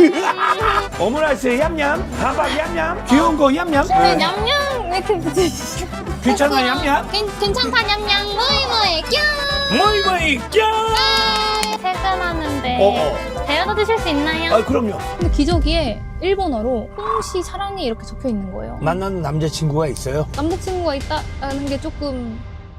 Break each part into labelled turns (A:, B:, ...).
A: 오므라이스 얌얌, 밥밥 얌얌, 귀여운 거 얌얌.
B: 네, 냠냠 왜 이렇게 붙이시죠?
A: 괜찮아 얌얌.
B: 괜찮다 냠냠 모이모이 뀨.
A: 뭐이 껴.
B: 퇴근하는데 데려다 드실 수 있나요?
A: 아 그럼요.
B: 근데 기저귀에 일본어로 홍시 사랑해 이렇게 적혀 있는 거예요.
A: 만나는 남자친구가 있어요?
B: 남자친구가 있다는 게 조금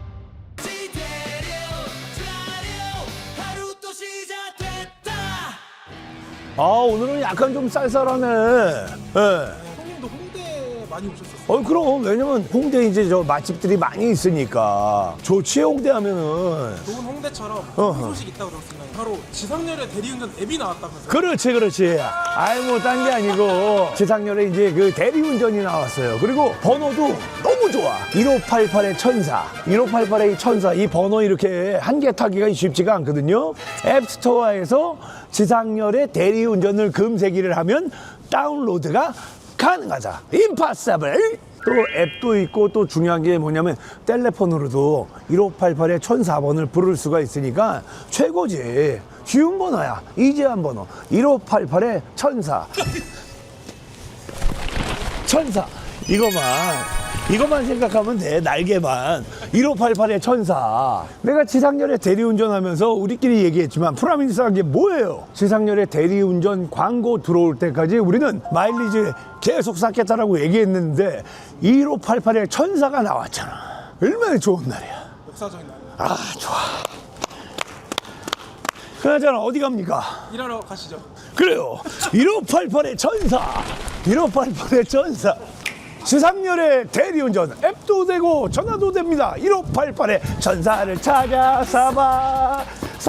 A: 아 오늘은 약간 좀 쌀쌀하네. 예.
C: 형님도 홍대 많이 오셨었어요?
A: 그럼 왜냐면 홍대 이제 저 맛집들이 많이 있으니까 좋지 홍대 하면은.
C: 좋은 홍대처럼
A: 어허.
C: 좋은 소식 있다고 들었습니다. 바로 지상렬의 대리운전 앱이 나왔다면서요?
A: 그렇지. 아이 뭐 딴 게 아니고 지상렬에 이제 그 대리운전이 나왔어요. 그리고 번호도 너무 좋아. 1588의 천사, 1588의 천사 이 번호 이렇게 한 개 타기가 쉽지가 않거든요. 앱스토어에서 지상렬의 대리운전을 검색을 하면 다운로드가 가능하다. 임파서블. 또 앱도 있고 또 중요한 게 뭐냐면 텔레폰으로도 1588의 1004번을 부를 수가 있으니까 최고지. 쉬운 번호야. 이재한 번호 1588의 1004. 천사. 이것만 생각하면 돼. 날개만. 1588의 천사. 내가 지상렬의 대리운전 하면서 우리끼리 얘기했지만 프라미스한 게 뭐예요? 지상렬의 대리운전 광고 들어올 때까지 우리는 마일리지 계속 쌓겠다라고 얘기했는데 1588의 천사가 나왔잖아. 얼마나 좋은 날이야.
C: 역사적인 날.
A: 아, 좋아. 그나저나 어디 갑니까?
C: 일하러 가시죠.
A: 그래요. 1588의 천사. 1588의 천사. 지상렬의 대리운전 앱도 되고 전화도 됩니다. 1588의 천사를 찾아 사바.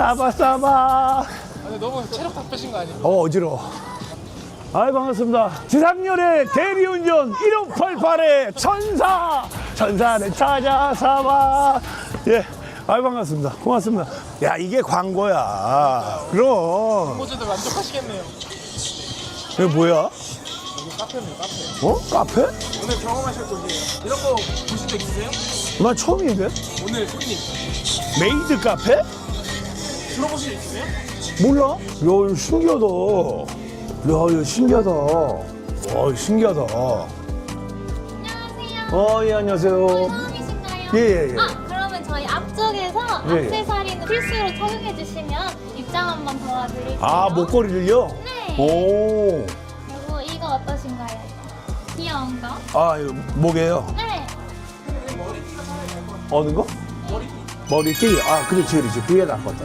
C: 아니 너무 체력 다 빼신 거 아니에요?
A: 어지러워. 아이 반갑습니다. 지상렬의 대리운전 1588의 천사. 천사를 찾아 사바. 예. 아이 반갑습니다. 고맙습니다. 야 이게 광고야. 그럼.
C: 호주들 만족하시겠네요.
A: 이게 뭐야?
C: 여기 카페입니다, 카페.
A: 카페?
C: 오늘 경험하실 곳이에요. 이런 거 보신 적 있으세요?
A: 나 처음인데?
C: 오늘 손님
A: 메이드 카페?
C: 들어보신 적 있으세요?
A: 몰라? 야, 이거 신기하다. 야, 이거 신기하다. 와, 신기하다.
B: 안녕하세요.
A: 예, 안녕하세요.
B: 처음이신가요?
A: 예.
B: 아, 그러면 저희 앞쪽에서
A: 예.
B: 액세서리는 필수로 착용해 주시면 입장 한번 도와드릴게요.
A: 아, 목걸이를요?
B: 네.
A: 오.
B: 그리고 이거 어떠신가요? 귀여운 거?
A: 아, 이거 뭐게요?
B: 네.
A: 어느 거? 머리띠. 아, 그렇지. 그게 낫겠다.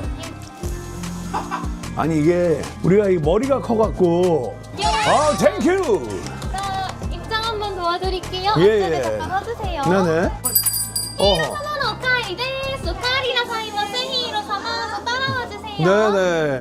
A: 아니, 이게 우리가 이 머리가 커갖고. 아, 땡큐.
B: 자, 입장 한번 도와드릴게요.
A: 예,
B: 앞쪽에
A: 예.
B: 잠깐 서주세요.
A: 네네. 어허.
B: 様のおかわりです。おかわりなさいませ。ヒーロー様と따라와 주세요.
A: 네네.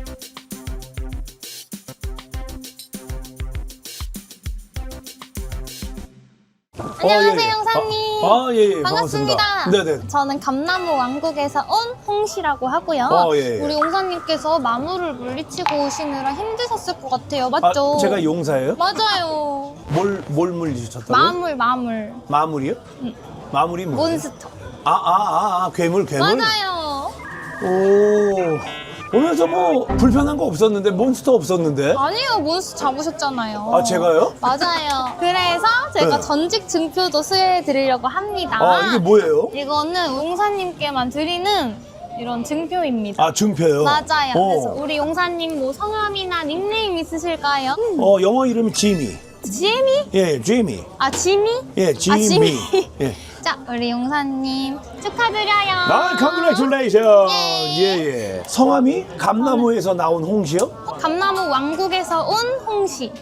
B: 안녕하세요,
A: 예.
B: 형사님.
A: 예.
B: 반갑습니다.
A: 네네.
B: 저는 감나무 왕국에서 온 홍씨라고 하고요.
A: 예.
B: 우리 용사님께서 마물을 물리치고 오시느라 힘드셨을 것 같아요. 맞죠?
A: 아, 제가 용사예요?
B: 맞아요.
A: 뭘 물리셨다고요?
B: 마물.
A: 마물이요? 마물이 뭐예요?
B: 몬스터.
A: 괴물.
B: 맞아요.
A: 오. 오면서 뭐 불편한 거 없었는데 몬스터 없었는데?
B: 아니요, 몬스터 잡으셨잖아요.
A: 아, 제가요?
B: 맞아요. 그래서 제가
A: 네.
B: 전직 증표도 수여해 드리려고 합니다.
A: 아, 이게 뭐예요?
B: 이거는 용사님께만 드리는 이런 증표입니다.
A: 아, 증표요?
B: 맞아요. 그래서
A: 어.
B: 우리 용사님 뭐 성함이나 닉네임 있으실까요?
A: 영어 이름이 지미.
B: 지미?
A: 예, 지미.
B: 아, 지미?
A: 예, 지미.
B: 지미.
A: 예.
B: 자, 우리 용사님 축하드려요.
A: 아, 컨그레츄레이션. 예. 성함이 감나무에서 나온 홍시요?
B: 감나무 왕국에서 온 홍시.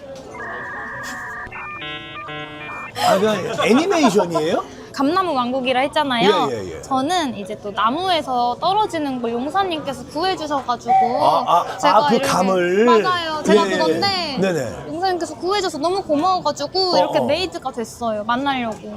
A: 아, 그 애니메이션이에요?
B: 감나무 왕국이라 했잖아요.
A: 예.
B: 저는 이제 또 나무에서 떨어지는 걸 용사님께서 구해주셔가지고
A: 그 감을.
B: 맞아요. 제가
A: 예.
B: 그건데
A: 네네.
B: 용사님께서 구해줘서 너무 고마워가지고 이렇게 메이드가 됐어요. 만나려고.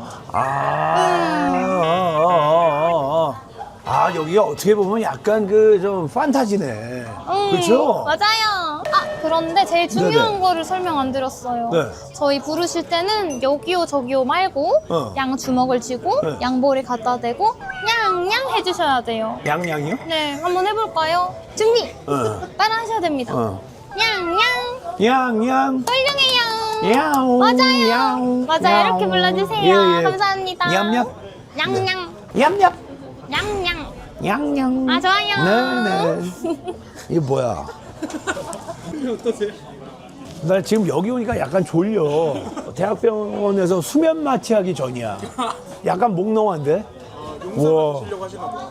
A: 여기가 어떻게 보면 약간 좀 판타지네. 그렇죠?
B: 맞아요. 그런데 제일 중요한
A: 네네.
B: 거를 설명 안 드렸어요.
A: 네.
B: 저희 부르실 때는 여기요 저기요 말고 양 주먹을 쥐고
A: 네.
B: 양볼에 갖다 대고 냥냥 해주셔야 돼요.
A: 양양이요?
B: 네, 한번 해볼까요? 준비!
A: 어.
B: 따라 하셔야 됩니다. 냥냥.
A: 냥냥.
B: 훌륭해요.
A: 야옹.
B: 맞아요.
A: 야옹.
B: 맞아요.
A: 야옹.
B: 이렇게 불러주세요.
A: 예, 예.
B: 감사합니다.
A: 냠냠.
B: 냥냥.
A: 냠냠.
B: 냥냥.
A: 냥냥.
B: 아, 좋아요.
A: 네네. 이게 뭐야?
C: 어떠세요?
A: 나 지금 여기 오니까 약간 졸려. 대학병원에서 수면 마취하기 전이야. 약간 몽롱한데? 우와.
C: 하시려고 하시나 봐요.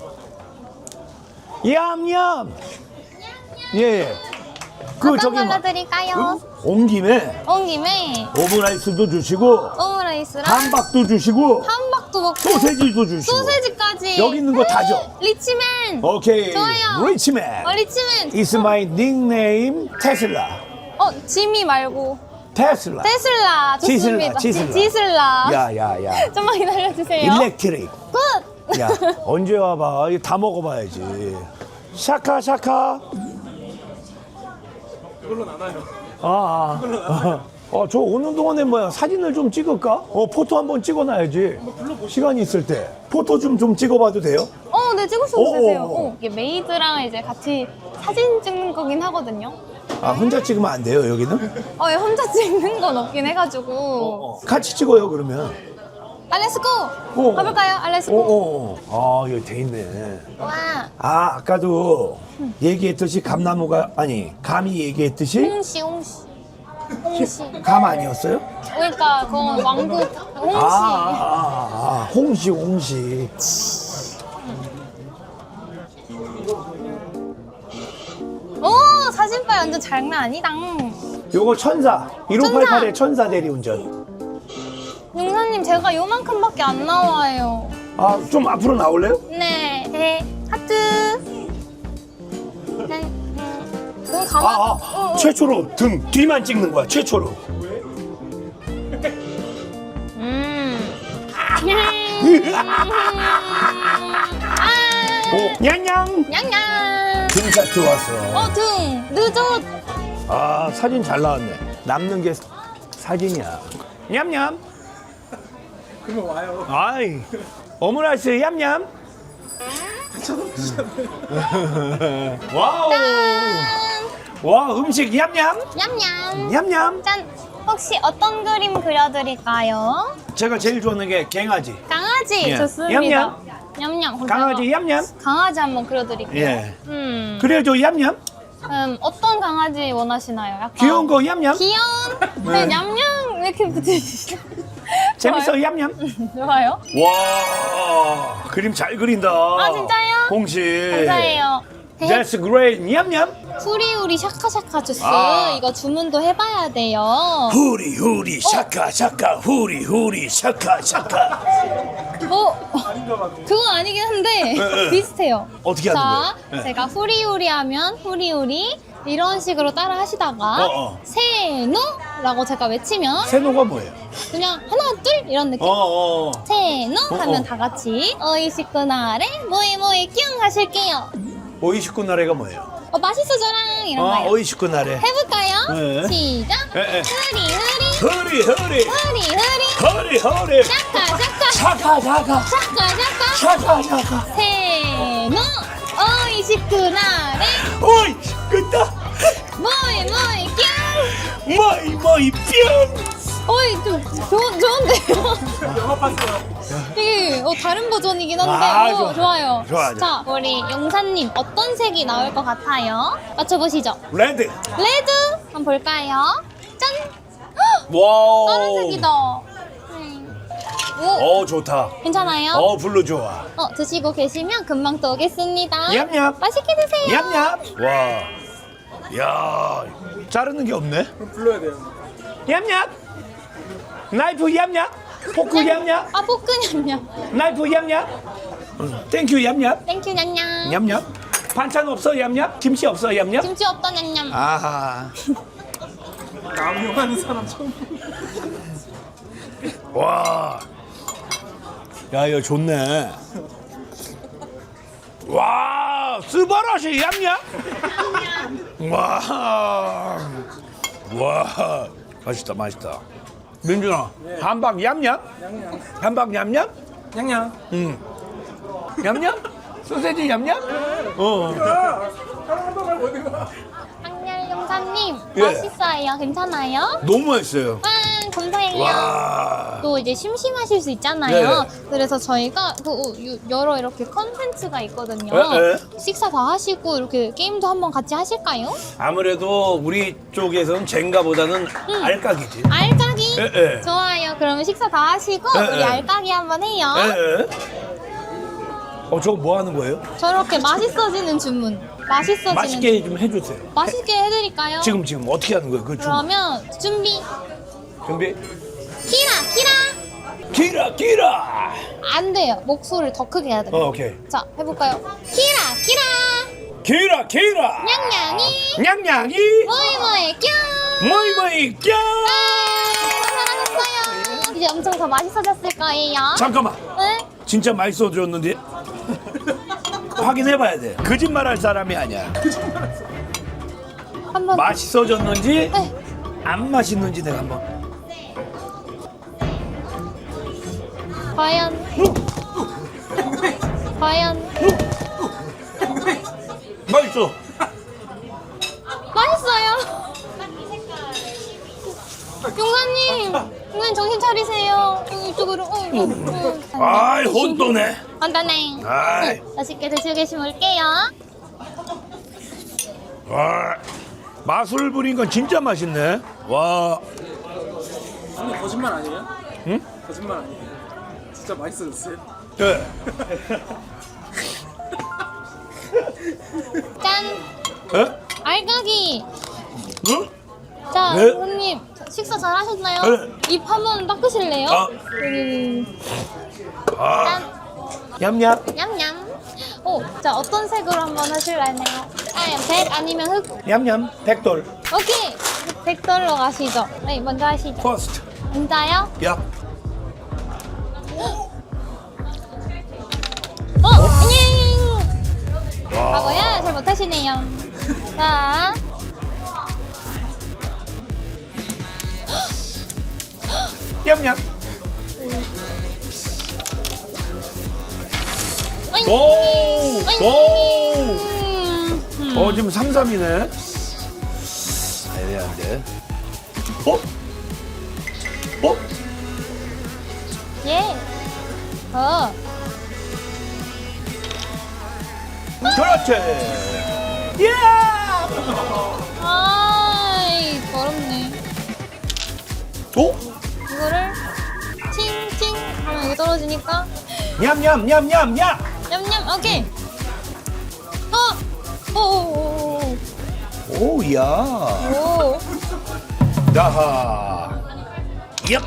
A: 얌얌. 예.
B: 어떤 걸로 드릴까요?
A: 온 김에
B: 온 김에
A: 오므라이스도 주시고
B: 오므라이스랑
A: 함박도 주시고
B: 함박도 먹고
A: 소세지도 주시고
B: 소세지까지.
A: 여기 있는 거 다 줘.
B: 리치맨.
A: 오케이.
B: 좋아요.
A: 리치맨.
B: 리치맨.
A: It's my nickname 테슬라.
B: 지미 말고
A: 테슬라.
B: 테슬라 좋습니다.
A: 지슬라.
B: 지슬라.
A: 야야야.
B: 좀만 기다려주세요.
A: 일렉트릭.
B: 굿.
A: 야 언제 와봐. 이거 다 먹어봐야지. 샤카 샤카.
C: 그걸로 나눠요.
A: 저 오는 동안에 뭐야 사진을 좀 찍을까? 포토 한번 찍어놔야지. 시간이 있을 때 포토 좀 찍어봐도 돼요?
B: 네, 찍으셔도 되세요.
A: 오.
B: 이게 메이드랑 이제 같이 사진 찍는 거긴 하거든요.
A: 아 혼자 찍으면 안 돼요 여기는?
B: 예, 혼자 찍는 건 없긴 해가지고.
A: 같이 찍어요 그러면.
B: 알레스고!
A: 오.
B: 가볼까요? 알레스고.
A: 여기 돼 있네.
B: 와,
A: 아까도 얘기했듯이 감이 얘기했듯이
B: 홍시.
A: 감 아니었어요?
B: 그러니까 그건 왕국 홍시.
A: 홍시.
B: 오, 사진빨 완전 장난 아니다.
A: 요거 천사 1588의 천사 대리운전.
B: 용사님, 제가 요만큼밖에 안 나와요.
A: 좀 앞으로 나올래요?
B: 네, 하트. 돈 가만.
A: 최초로 등 뒤만 찍는 거야 최초로. 냥냥.
B: 냥냥.
A: 등샷 좋았어.
B: 등 늦어.
A: 사진 잘 나왔네. 남는 게 사진이야. 냠냠.
C: 그러면 와요.
A: 아이 오므라이스 냠냠. 와우. 와 음식 냠냠.
B: 냠냠.
A: 냠냠.
B: 짠. 혹시 어떤 그림 그려드릴까요?
A: 제가 제일 좋아하는 게 갱아지.
B: 강아지.
A: 예.
B: 좋습니다. 냠냠. 그럼
A: 강아지
B: 제가
A: 냠냠.
B: 강아지 한번 그려드릴게요.
A: 예. 그래도 냠냠.
B: 어떤 강아지 원하시나요? 약간
A: 귀여운 거 냠냠.
B: 귀여운. 네, 냠냠 이렇게 붙이시죠.
A: 재밌어 냠냠.
B: 좋아요.
A: 와 그림 잘 그린다.
B: 진짜요?
A: 홍시.
B: 감사해요.
A: That's great. 냠냠.
B: 후리후리 샤카샤카 주스
A: 아.
B: 이거 주문도 해봐야 돼요.
A: 후리 후리 샤카 샤카 후리 후리 샤카 샤카.
B: 그건 아니긴 한데 비슷해요.
A: 어떻게 하는
B: 자,
A: 거예요?
B: 제가 후리후리 하면 후리후리 이런 식으로 따라 하시다가 세노라고 제가 외치면
A: 세노가 뭐예요?
B: 그냥 하나 둘 이런 느낌. 세노 하면 다 같이 어이시쿠나레 모이모이 뀨 하실게요.
A: 오이시쿠 나래가 뭐예요?
B: 맛있어져랑 이런 거요.
A: 오이시쿠 나래.
B: 해볼까요?
A: 네.
B: 시작.
A: 네.
B: 후리후리
A: 허리 허리
B: 후리후리
A: 허리 허리
B: 샤카샤카
A: 샤카 샤카
B: 샤카샤카
A: 샤카 샤카.
B: 세노 어이시쿠나레
A: 오이 끝다.
B: 모이모이 뀨.
A: 모이 뿅.
B: 좀 좋은데요?
C: 영화 봤어요.
B: 이게 다른 버전이긴 한데
A: 좋아.
B: 좋아요.
A: 좋아.
B: 자, 우리 용사님 어떤 색이 나올 것 같아요? 맞춰보시죠.
A: 레드.
B: 레드 한번 볼까요? 짠!
A: 와우.
B: 다른 색이다. 오,
A: 좋다.
B: 괜찮아요?
A: 블루 좋아.
B: 드시고 계시면 금방 또 오겠습니다.
A: 냠냠.
B: 맛있게 드세요.
A: 냠냠. 와. 야 자르는 게 없네.
C: 그럼 불러야 돼요.
A: 냠냠. 나이프 냠냠. 포크 냠냠.
B: 포크 냠냠.
A: 나이프 냠냠. 땡큐 냠냠.
B: 땡큐 냠냠.
A: 냠냠. 반찬 없어 냠냠. 김치 없어 냠냠.
B: 김치 없다 냠냠.
A: 아하.
C: 남용하는 사람 처음.
A: 와. 야 이거 좋네. 와 스바라시 냠냠. 와 맛있다 맛있다. 민준아 함박 냠냠. 함박 냠냠.
C: 냥냥.
A: 냠냠. 소세지 냠냠.
C: 사람 한번 말고 어디 가?
B: 항렬 용사님
A: 예.
B: 맛있어요. 괜찮아요?
A: 너무 맛있어요.
B: 감사해요.
A: 와.
B: 또 이제 심심하실 수 있잖아요.
A: 네.
B: 그래서 저희가 여러 이렇게 컨텐츠가 있거든요.
A: 네.
B: 식사 다 하시고 이렇게 게임도 한번 같이 하실까요?
A: 아무래도 우리 쪽에서는 젠가보다는 알까기지.
B: 알까기?
A: 예, 예.
B: 좋아요. 그러면 식사 다 하시고
A: 예,
B: 우리
A: 예.
B: 알까기 한번 해요.
A: 예. 저거 뭐 하는 거예요?
B: 저렇게 맛있어지는 주문. 맛있어지는
A: 맛있게 좀 해주세요.
B: 맛있게 해드릴까요?
A: 지금 어떻게 하는 거예요? 그
B: 그러면 준비.
A: 준비.
B: 키라.
A: 기라.
B: 안 돼요. 목소리를 더 크게 해야 돼요.
A: 오케이.
B: 자, 해볼까요? 키라.
A: 기라.
B: 냥냥이.
A: 냥냥이.
B: 모이모이 뀨.
A: 뭐이 껴.
B: 잘하셨어요. 이제 엄청 더 맛있어졌을 거예요.
A: 잠깐만.
B: 응?
A: 진짜 맛있어졌는데 확인해봐야 돼. 거짓말할 사람이 아니야.
B: 한번
A: 맛있어졌는지
B: 네.
A: 안 맛있는지 내가 한번.
B: 과연
A: 맛있어.
B: 맛있어요. 용사님 정신 차리세요. 이쪽으로.
A: 아이 혼돈해.
B: 간단해.
A: 아이.
B: 맛있게 드시고 계시면 올게요.
A: 와, 맛을 부린 건 진짜 맛있네. 와.
C: 근데 거짓말 아니에요?
A: 응?
C: 거짓말 아니에요? 진짜 맛있어졌어요?
A: 네.
B: 짠.
A: 에?
B: 알까기.
A: 응?
B: 자,
A: 네.
B: 손님 식사 잘 하셨나요?
A: 네.
B: 입 한번 닦으실래요?
A: 아. 아.
B: 짠.
A: 얌얌.
B: 냠냠. 자 어떤 색으로 한번 하실래요? 하얀색 아니면 흑?
A: 얌얌. 백돌.
B: 오케이. 백돌로 가시죠. 네, 먼저 하시죠.
A: 퍼스트.
B: 진짜요?
A: 야.
B: 안녕. 하고요. 잘 못하시네요. 자.
A: 얌얌.
B: 어잉.
A: 오.
B: 어잉.
A: 오. 지금 3-3이네. 애매한데. 어? 어?
B: 예.
A: 그렇지. 예.
B: 아이, 더럽네.
A: 오?
B: 이거를 칭칭 하면 이게 떨어지니까
A: 냠냠냠냠냠.
B: 냠냠. 오케이. 오.
A: 오야.
B: 오.
A: 야하. 얍.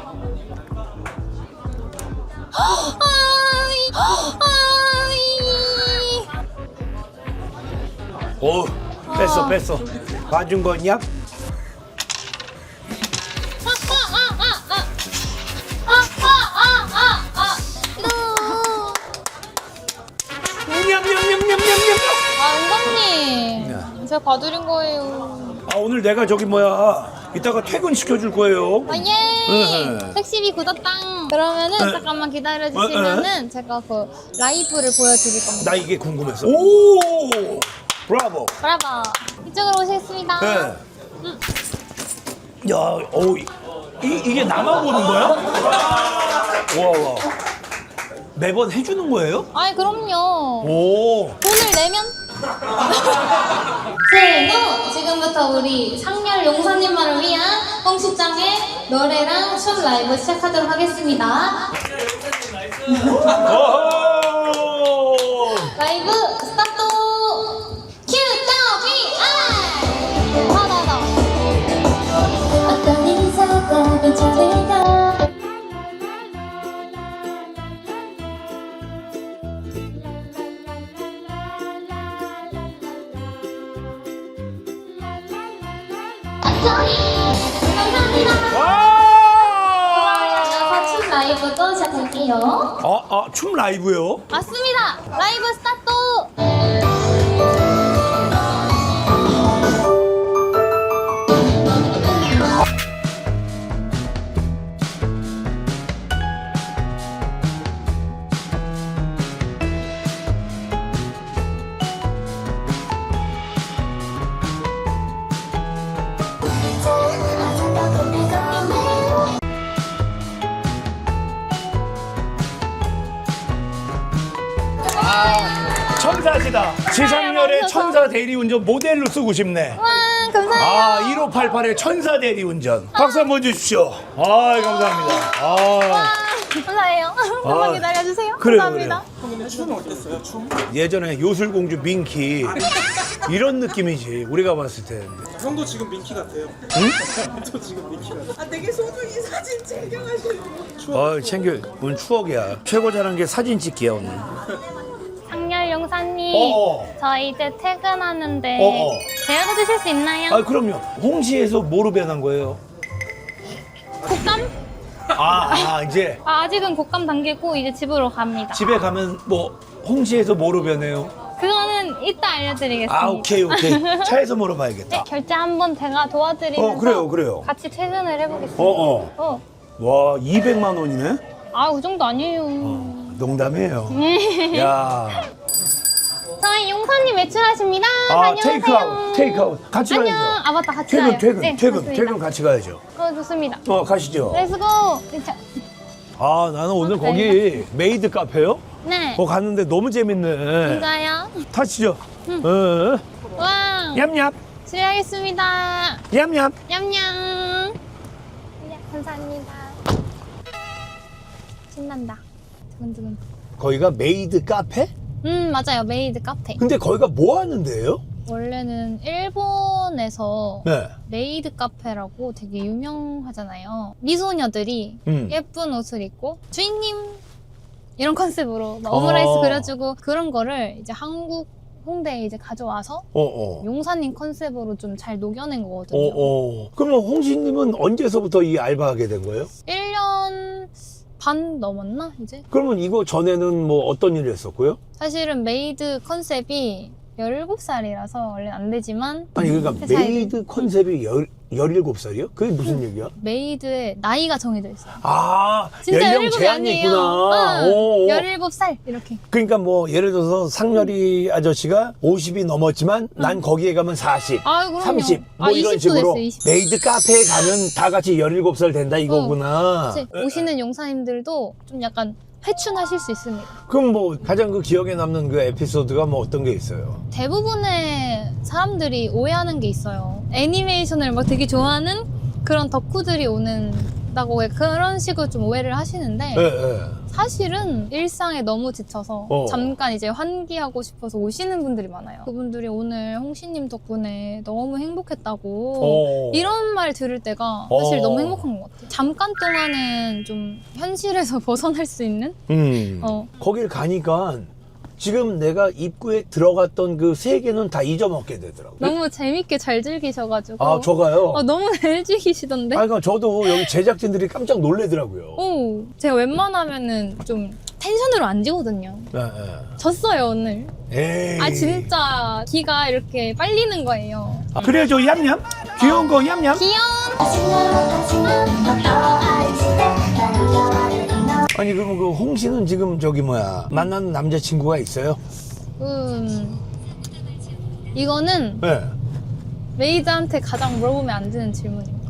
B: 아이.
A: 오. 뺐어. 봐준 거냐? 냠냠냠냠냠냠.
B: 은광님, 제가 봐드린 거예요.
A: 아 오늘 내가 저기 이따가 퇴근 시켜줄 거예요.
B: 예.
A: 네.
B: 택시비 굳었당. 그러면은
A: 네.
B: 잠깐만 기다려주시면은 제가 그 라이브를 보여드릴 겁니다.
A: 나 이게 궁금해서. 오. 브라보.
B: 브라보. 이쪽으로 오시겠습니다.
A: 네. 야, 이게 나만 보는 거야? 와. 매번 해주는 거예요?
B: 아이 그럼요.
A: 오.
B: 돈을 내면? 세노 지금부터 우리 상렬 용사님만을 위한 홍식장의 노래랑 춤 라이브 시작하도록 하겠습니다.
A: 오호.
B: 라이브 스타트! 큐! 더비! 아이! 하나 어떤 인사가 괜찮을까? 감사합니다.
A: 와!
B: 이어서 춤 라이브도 시작할게요.
A: 춤 라이브요?
B: 맞습니다. 라이브 스타트.
A: 천사시다. 지상렬의
B: 감사합니다.
A: 천사 대리운전 모델로 쓰고 싶네.
B: 와, 감사해요.
A: 아, 1588의 천사 대리운전. 박수 한번 주십시오. 아, 감사합니다. 아,
B: 감사해요. 한번 기다려주세요.
A: 그래요,
B: 감사합니다.
C: 형님 춤 어땠어요? 춤?
A: 예전에 요술공주 민키 이런 느낌이지 우리가 봤을 때.
C: 형도 지금 민키 같아요. 응? 저 지금 민키 같아요.
D: 아, 되게 소중히 사진 챙겨가시고.
A: 챙겨. 오늘 추억이야. 최고 잘한 게 사진 찍기야 오늘.
B: 상렬 용사님,
A: 어어.
B: 저 이제 퇴근하는데
A: 어어.
B: 데려다 주실 수 있나요?
A: 아, 그럼요. 홍시에서 뭐로 변한 거예요?
B: 곶감?
A: 이제
B: 아직은 곶감 단계고 이제 집으로 갑니다.
A: 집에 가면 뭐 홍시에서 뭐로 변해요?
B: 그거는 이따 알려드리겠습니다.
A: 아, 오케이. 차에서 물어봐야겠다.
B: 네, 결제 한번 제가 도와드리면서
A: 그래요.
B: 같이 퇴근을 해보겠습니다.
A: 와, 200만 원이네?
B: 아, 그 정도 아니에요.
A: 농담이에요.
B: 네.
A: 야,
B: 저희 용사님 외출하십니다. 다녀오세요.
A: 테이크아웃. 같이
B: 안녕.
A: 가야죠.
B: 아, 맞다. 같이 가요. 네,
A: 퇴근
B: 맞습니다.
A: 같이 가야죠.
B: 좋습니다.
A: 가시죠.
B: 렛츠고. 자,
A: 아, 나는 오늘 거기 메이드 카페요?
B: 네.
A: 갔는데 너무 재밌네.
B: 진짜요?
A: 타시죠.
B: 와.
A: 얌얌,
B: 실례하겠습니다.
A: 얌얌.
B: 냠냠. 네, 감사합니다. 신난다. 두근두근.
A: 거기가 메이드 카페?
B: 맞아요. 메이드 카페.
A: 근데 거기가 뭐 하는데요?
B: 원래는 일본에서
A: 네.
B: 메이드 카페라고 되게 유명하잖아요. 미소녀들이 예쁜 옷을 입고 주인님 이런 컨셉으로 막 오므라이스 그려주고 그런 거를 이제 한국 홍대에 이제 가져와서 용사님 컨셉으로 좀 잘 녹여낸 거거든요.
A: 그러면 홍시님은 언제서부터 이 알바하게 된 거예요?
B: 1년 반 넘었나 이제?
A: 그러면 이거 전에는 뭐 어떤 일을 했었고요?
B: 사실은 메이드 컨셉이 17살이라서 원래 안 되지만
A: 아니 그러니까
B: 회사에
A: 메이드 컨셉이 17살이요? 그게 무슨 얘기야?
B: 메이드의 나이가 정해져 있어요.
A: 아,
B: 진짜
A: 연령
B: 17이
A: 제한이
B: 아니에요.
A: 있구나.
B: 응,
A: 오.
B: 17살 이렇게.
A: 그러니까 뭐 예를 들어서 상렬이 아저씨가 50이 넘었지만 난 거기에 가면 40,
B: 아, 그럼요.
A: 30 뭐
B: 아,
A: 이런
B: 20도
A: 식으로
B: 됐어요, 20.
A: 메이드 카페에 가면 다 같이 17살 된다 이거구나.
B: 이제 오시는 용사님들도 좀 약간 회춘하실 수 있습니다.
A: 그럼 뭐 가장 그 기억에 남는 그 에피소드가 뭐 어떤 게 있어요?
B: 대부분의 사람들이 오해하는 게 있어요. 애니메이션을 막 되게 좋아하는 그런 덕후들이 오는다고 그런 식으로 좀 오해를 하시는데 사실은 일상에 너무 지쳐서 잠깐 이제 환기하고 싶어서 오시는 분들이 많아요. 그분들이 오늘 홍시님 덕분에 너무 행복했다고 이런 말 들을 때가 사실 너무 행복한 것 같아요. 잠깐 동안은 좀 현실에서 벗어날 수 있는?
A: 거길 가니까 지금 내가 입구에 들어갔던 그 세계는 다 잊어먹게 되더라고요.
B: 너무 재밌게 잘 즐기셔가지고
A: 아, 저가요?
B: 너무 잘 즐기시던데?
A: 그러니까 저도 여기 제작진들이 깜짝 놀래더라고요.
B: 오, 제가 웬만하면은 좀 텐션으로 안 지거든요. 졌어요 오늘.
A: 에이.
B: 아 진짜 기가 이렇게 빨리는 거예요.
A: 그래 저 얌얌 귀여운 거 얌얌. 아니 그럼 그 홍씨는 지금 저기 뭐야 만나는 남자친구가 있어요?
B: 이거는
A: 네.
B: 메이드한테 가장 물어보면 안 되는 질문입니다.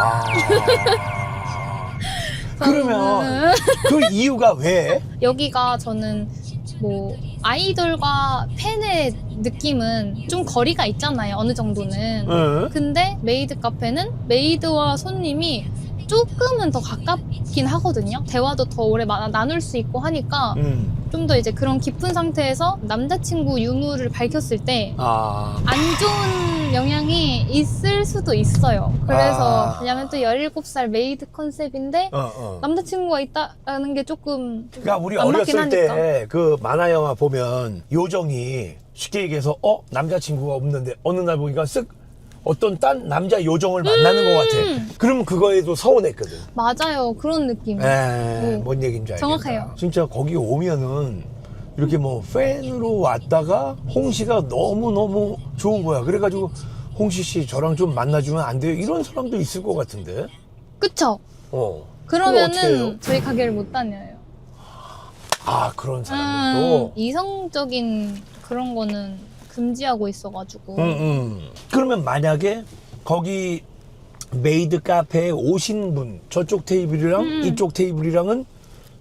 A: 그러면 그 이유가 왜?
B: 여기가 저는 뭐 아이돌과 팬의 느낌은 좀 거리가 있잖아요. 어느 정도는. 근데 메이드 카페는 메이드와 손님이 조금은 더 가깝긴 하거든요. 대화도 더 오래 나눌 수 있고 하니까 좀 더 이제 그런 깊은 상태에서 남자친구 유무를 밝혔을 때 안 좋은 영향이 있을 수도 있어요. 그래서 왜냐면 또 17살 메이드 컨셉인데 남자친구가 있다라는 게 조금
A: 그러니까 우리
B: 안 맞긴
A: 어렸을 때
B: 하니까.
A: 그 만화 영화 보면 요정이 쉽게 얘기해서 남자친구가 없는데 어느 날 보니까 쓱 어떤 딴 남자 요정을 만나는 것 같아. 그럼 그거에도 서운했거든.
B: 맞아요. 그런 느낌.
A: 뭔 얘기인지 알겠다.
B: 정확해요.
A: 진짜 거기 오면은 이렇게 뭐 팬으로 왔다가 홍씨가 너무너무 좋은 거야. 그래가지고 홍씨 씨 저랑 좀 만나주면 안 돼요? 이런 사람도 있을 것 같은데.
B: 그쵸?
A: 그럼 어떻게 해요?
B: 그러면은 저희 가게를 못 다녀요.
A: 아, 그런 사람들도.
B: 이성적인 그런 거는 금지하고 있어가지고.
A: 그러면 만약에 거기 메이드 카페에 오신 분 저쪽 테이블이랑 이쪽 테이블이랑은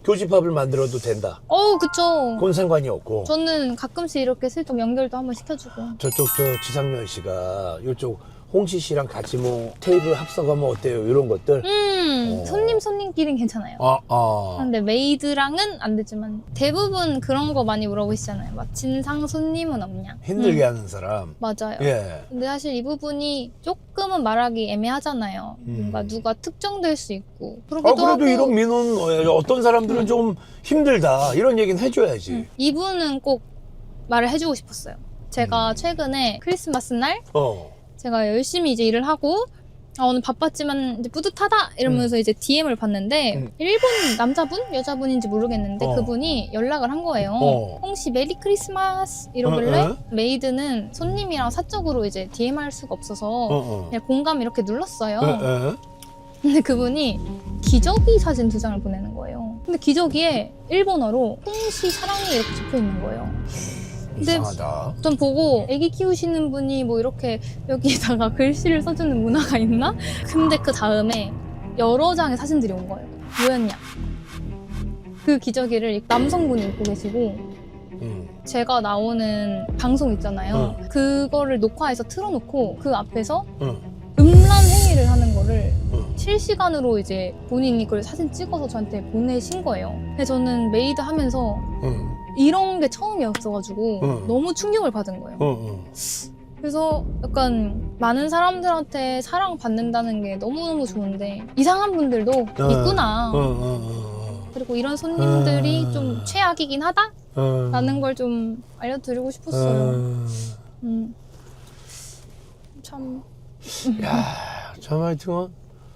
A: 교집합을 만들어도 된다.
B: 그쵸.
A: 그건 상관이 없고.
B: 저는 가끔씩 이렇게 슬쩍 연결도 한번 시켜주고.
A: 저쪽 지상렬 씨가 이쪽 홍시 씨랑 같이 뭐 테이블 합석하면 어때요? 이런 것들.
B: 손님끼리는 괜찮아요. 근데 메이드랑은 안 되지만 대부분 그런 거 많이 물어보시잖아요. 막 진상 손님은 없냐.
A: 힘들게 하는 사람.
B: 맞아요.
A: 예.
B: 근데 사실 이 부분이 조금은 말하기 애매하잖아요. 뭔가 누가 특정될 수 있고. 그러기도
A: 그래도
B: 하고.
A: 이런 민원 어떤 사람들은 좀 힘들다 이런 얘기는 해줘야지.
B: 이분은 꼭 말을 해주고 싶었어요. 제가 최근에 크리스마스 날 제가 열심히 이제 일을 하고 오늘 바빴지만 이제 뿌듯하다 이러면서 이제 DM을 봤는데 일본 남자분? 여자분인지 모르겠는데 그분이 연락을 한 거예요. 홍씨 메리 크리스마스 이러길래 메이드는 손님이랑 사적으로 이제 DM 할 수가 없어서 그냥 공감 이렇게 눌렀어요. 근데 그분이 기저귀 사진 2장을 보내는 거예요. 근데 기저귀에 일본어로 홍씨 사랑해 이렇게 적혀 있는 거예요. 근데
A: 이상하다.
B: 전 보고 애기 키우시는 분이 뭐 이렇게 여기에다가 글씨를 써주는 문화가 있나? 근데 그 다음에 여러 장의 사진들이 온 거예요. 뭐였냐? 그 기저귀를 남성분이 입고 계시고 제가 나오는 방송 있잖아요. 그거를 녹화해서 틀어놓고 그 앞에서 음란 행위를 하는 거를 실시간으로 이제 본인이 그걸 사진 찍어서 저한테 보내신 거예요. 근데 저는 메이드 하면서 이런 게 처음이었어가지고 너무 충격을 받은 거예요. 그래서 약간 많은 사람들한테 사랑받는다는 게 너무너무 좋은데 이상한 분들도 있구나. 그리고 이런 손님들이 좀 최악이긴 하다? 라는 걸 좀 알려드리고 싶었어요. 참.
A: 참 하여튼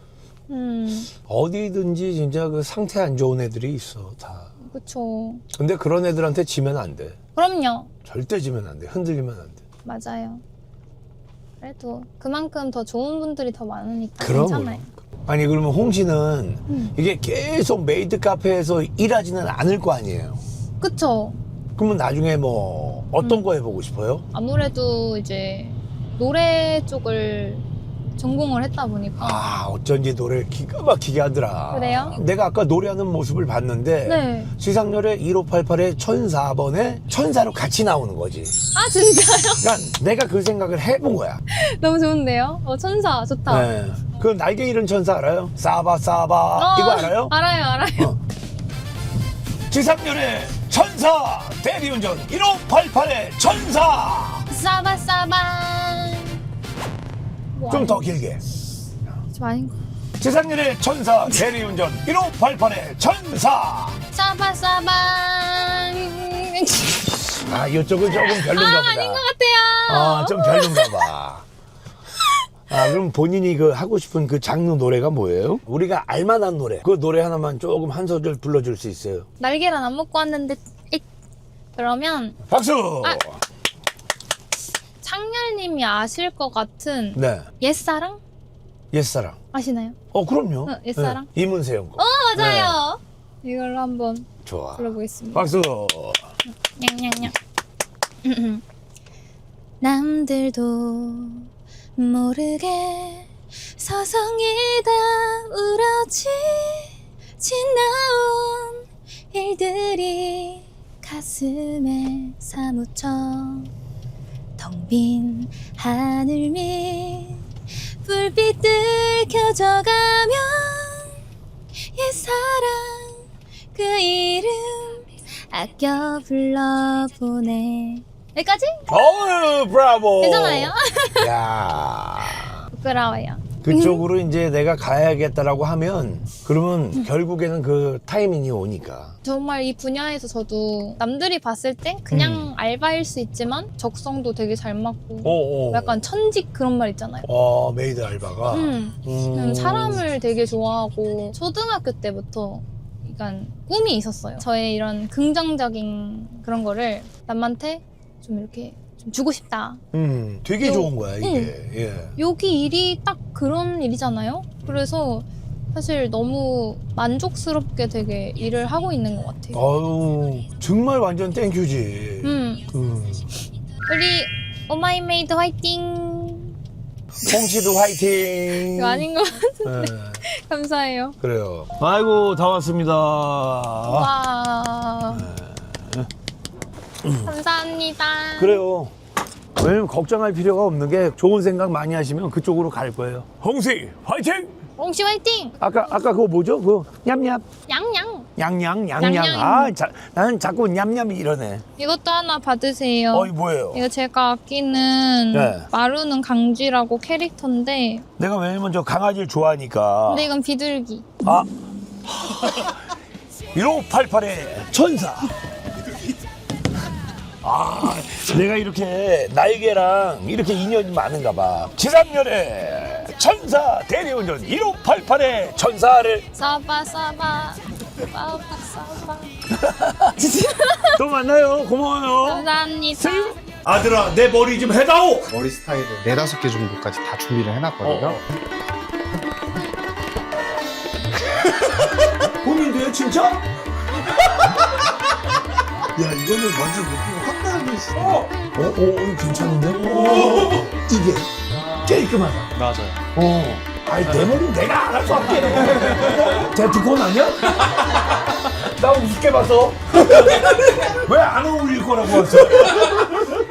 A: 어디든지 진짜 그 상태 안 좋은 애들이 있어 다.
B: 그쵸.
A: 근데 그런 애들한테 지면 안 돼.
B: 그럼요.
A: 절대 지면 안 돼. 흔들리면 안 돼.
B: 맞아요. 그래도 그만큼 더 좋은 분들이 더 많으니까
A: 그럼.
B: 괜찮아요.
A: 아니 그러면 홍 씨는 이게 계속 메이드 카페에서 일하지는 않을 거 아니에요.
B: 그쵸.
A: 그러면 나중에 뭐 어떤 거 해보고 싶어요?
B: 아무래도 이제 노래 쪽을 전공을 했다 보니까.
A: 어쩐지 노래를 기가 막히게 하더라.
B: 그래요?
A: 내가 아까 노래하는 모습을 봤는데
B: 네.
A: 지상렬의 1588의 1004번에 천사로 같이 나오는 거지.
B: 아 진짜요?
A: 그러니까 내가 그 생각을 해본 거야.
B: 너무 좋은데요? 천사 좋다.
A: 네. 그 날개 잃은 천사 알아요? 사바 이거 알아요?
B: 알아요.
A: 지상렬의 천사 대리운전 1588의 천사.
B: 싸바싸바.
A: 좀 더 길게.
B: 좀 아닌 거.
A: 지상렬의 천사 대리운전 1588의 천사.
B: 싸바싸바.
A: 이쪽은 조금 별론가 보다.
B: 아닌 것 같아요.
A: 좀 별론가 봐. 그럼 본인이 그 하고 싶은 그 장르 노래가 뭐예요? 우리가 알만한 노래. 그 노래 하나만 조금 한 소절 불러줄 수 있어요?
B: 날계란 안 먹고 왔는데. 그러면
A: 박수!
B: 창렬님이 아실 것 같은
A: 네.
B: 옛사랑?
A: 옛사랑.
B: 아시나요?
A: 그럼요.
B: 옛사랑?
A: 네. 이문세형 거.
B: 맞아요. 이걸로 한번
A: 좋아.
B: 불러보겠습니다.
A: 박수!
B: 냥냥냥. 남들도 모르게 서성이다 울어지나온 일들이 가슴에 사무쳐 텅 빈 하늘 밑 불빛들 켜져가면 옛사랑 그 이름 아껴 불러보네. 여기까지?
A: 브라보!
B: 괜찮아요?
A: 야
B: 부끄러워요.
A: 그쪽으로 이제 내가 가야겠다라고 하면 그러면 결국에는 그 타이밍이 오니까.
B: 정말 이 분야에서 저도 남들이 봤을 땐 그냥 알바일 수 있지만 적성도 되게 잘 맞고 약간 천직 그런 말 있잖아요.
A: 메이드 알바가.
B: 사람을 되게 좋아하고 초등학교 때부터 약간 꿈이 있었어요. 저의 이런 긍정적인 그런 거를 남한테 좀 이렇게 좀 주고 싶다.
A: 되게 좋은 거야 이게. 예.
B: 여기 일이 딱 그런 일이잖아요. 그래서 사실 너무 만족스럽게 되게 일을 하고 있는 것 같아요.
A: 정말 완전 땡큐지.
B: 우리 오마이메이드 화이팅.
A: 홍씨도 화이팅.
B: 이거 아닌 것 같은데.
A: 네,
B: 감사해요.
A: 그래요. 아이고 다 왔습니다.
B: 와. 감사합니다.
A: 그래요. 왜냐면 걱정할 필요가 없는 게 좋은 생각 많이 하시면 그쪽으로 갈 거예요. 홍씨 화이팅!
B: 옹씨 화이팅!
A: 아까 그거 뭐죠? 그 냠냠
B: 양양.
A: 양양.
B: 양양.
A: 아, 나는 자꾸 냠냠이 이러네.
B: 이것도 하나 받으세요.
A: 어이 뭐예요?
B: 이거 제가 아끼는
A: 네.
B: 마루는 강쥐라고 캐릭터인데
A: 내가 왜냐면 저 강아지를 좋아하니까.
B: 근데 이건 비둘기.
A: 아 1588의 천사. 아, 내가 이렇게 날개랑 이렇게 인연이 많은가 봐. 지상렬의 천사 대리운전 1588의 천사를
B: 싸바 싸바 싸바 싸바.
A: 또 만나요. 고마워요.
B: 감사합니다.
A: 아들아, 내 머리 좀 해다오.
E: 머리 스타일을 4-5개 정도까지 다 준비를 해놨거든요.
A: 본인도요, 진짜?
E: 야, 이거는 완전 느낌이 확 다르게 있어.
A: 이거 괜찮은데? 이게 깔끔하다.
E: 맞아요.
A: 아니, 내 머리는 내가 알아서 할게. 데프콘 아니야? 나 우습게 봐서. 왜 안 어울릴 거라고 했어?